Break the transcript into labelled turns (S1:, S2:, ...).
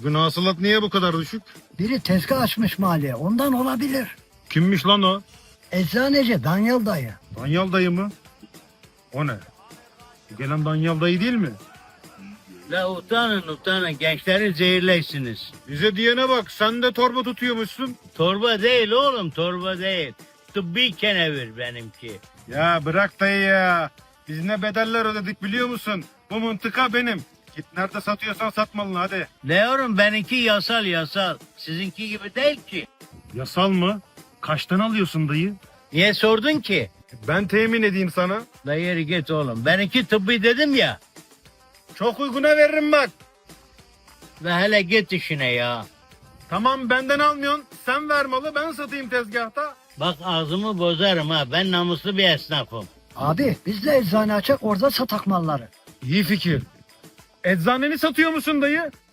S1: Bugün hasılat niye bu kadar düşük?
S2: Biri tezgah açmış mahalleye, ondan olabilir.
S1: Kimmiş lan o?
S2: Eczaneci Danyal dayı.
S1: Danyal dayı mı? O ne? Bu gelen Danyal dayı değil mi?
S3: La utanın gençleri zehirleysiniz.
S1: Bize diyene bak, sen de torba tutuyormuşsun.
S3: Torba değil oğlum, torba değil. Tıbbi kenevir benimki.
S1: Ya bırak dayı ya. Biz ne bedeller ödedik biliyor musun? Bu mıntıka benim. Git nerede satıyorsan sat malını hadi.
S3: Ne oğlum, benimki yasal. Sizinki gibi değil ki.
S1: Yasal mı? Kaçtan alıyorsun dayı?
S3: Niye sordun ki?
S1: Ben temin edeyim sana.
S3: La yeri git oğlum. Benimki tıbbi dedim ya.
S1: Çok uyguna veririm bak.
S3: La hele git işine ya.
S1: Tamam benden almıyorsun. Sen ver malı ben satayım tezgahta.
S3: Bak ağzımı bozarım ha. Ben namuslu bir esnafım.
S2: Abi biz de eczane açak orada satak malları.
S1: İyi fikir. Eczaneni satıyor musun dayı?